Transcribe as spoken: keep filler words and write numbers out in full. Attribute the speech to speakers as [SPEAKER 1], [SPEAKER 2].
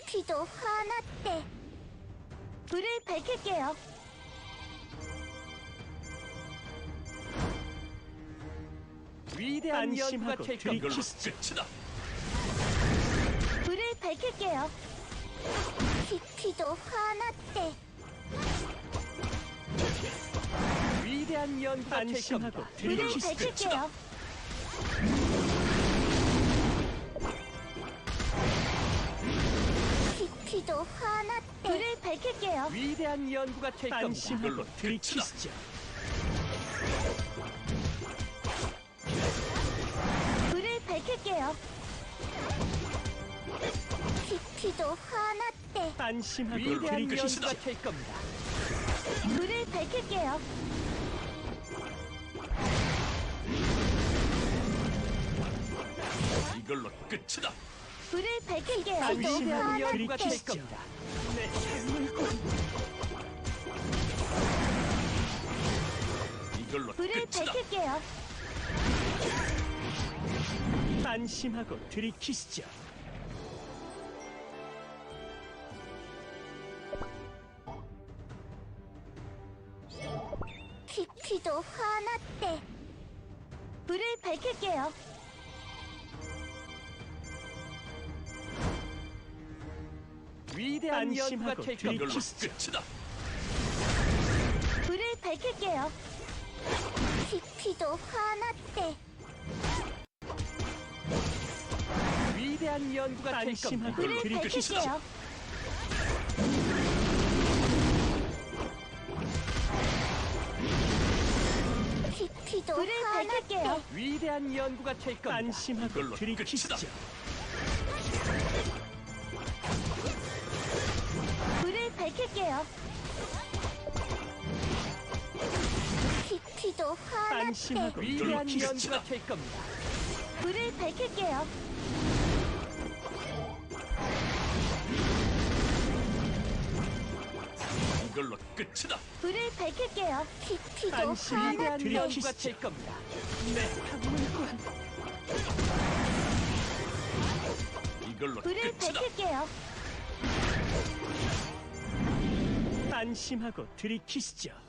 [SPEAKER 1] 깊이도 화났대. 불을 밝힐게요.
[SPEAKER 2] 위대한 연구가 될
[SPEAKER 3] 이걸로
[SPEAKER 2] 겁니다.
[SPEAKER 3] 끝이다.
[SPEAKER 1] 불을 밝힐게요. 깊이도 화났대.
[SPEAKER 2] 위대한 연구가 될
[SPEAKER 3] 안심하고
[SPEAKER 2] 겁니다.
[SPEAKER 1] 불을
[SPEAKER 3] 이걸로
[SPEAKER 1] 밝힐게요. 깊이도 화났대. 불을 밝힐게요.
[SPEAKER 2] 위대한 연구가 될 겁니다.
[SPEAKER 3] 안심하고 이걸로 들이키시죠.
[SPEAKER 1] 불을 밝힐게요. 깊이도 화났대.
[SPEAKER 3] 안심하고
[SPEAKER 2] 위대한
[SPEAKER 3] 들이키시죠.
[SPEAKER 2] 연구가 될 겁니다.
[SPEAKER 1] 불을 밝힐게요.
[SPEAKER 3] 이걸로 끝이다.
[SPEAKER 1] 불을 밝힐게요.
[SPEAKER 2] 위대한
[SPEAKER 1] 깊이도
[SPEAKER 2] 연구가 될
[SPEAKER 1] 화났대.
[SPEAKER 2] 겁니다.
[SPEAKER 3] 내 물건. 이걸로
[SPEAKER 1] 불을
[SPEAKER 3] 끝이다.
[SPEAKER 1] 밝힐게요.
[SPEAKER 3] 안심하고 들이키시죠.
[SPEAKER 1] 깊이도 화났대. 불을 밝힐게요.
[SPEAKER 2] 위대한 연구가
[SPEAKER 3] 안심하고
[SPEAKER 2] 될
[SPEAKER 3] 들이키시죠.
[SPEAKER 2] 겁니다.
[SPEAKER 3] 이걸로 끝이다.
[SPEAKER 1] 불을 밝힐게요. 깊이도 화났대.
[SPEAKER 2] 위대한 연구가 될 겁니다.
[SPEAKER 3] 안심하고
[SPEAKER 1] 불을
[SPEAKER 3] 들이키시죠.
[SPEAKER 1] 밝힐게요. 깊이도 불을 밝힐게요.
[SPEAKER 2] 위대한 연구가 될 겁니다.
[SPEAKER 3] 안심하고 이걸로 들이키시죠. 끝이다.
[SPEAKER 1] 불을 밝힐게요. 깊이도 화났대.
[SPEAKER 3] 안심하고
[SPEAKER 2] 위대한
[SPEAKER 3] 들이키시죠.
[SPEAKER 2] 연구가 될 겁니다.
[SPEAKER 1] 불을 밝힐게요.
[SPEAKER 3] 이걸로 끝이다.
[SPEAKER 1] 불을 밝힐게요. 깊이도
[SPEAKER 3] 안심.
[SPEAKER 2] 위대한
[SPEAKER 1] 화났대.
[SPEAKER 2] 연구가
[SPEAKER 3] 들이키시죠.
[SPEAKER 2] 될 겁니다.
[SPEAKER 3] 내 물건. 이걸로
[SPEAKER 1] 불을
[SPEAKER 3] 끝이다.
[SPEAKER 1] 밝힐게요.
[SPEAKER 3] 안심하고 들이키시죠.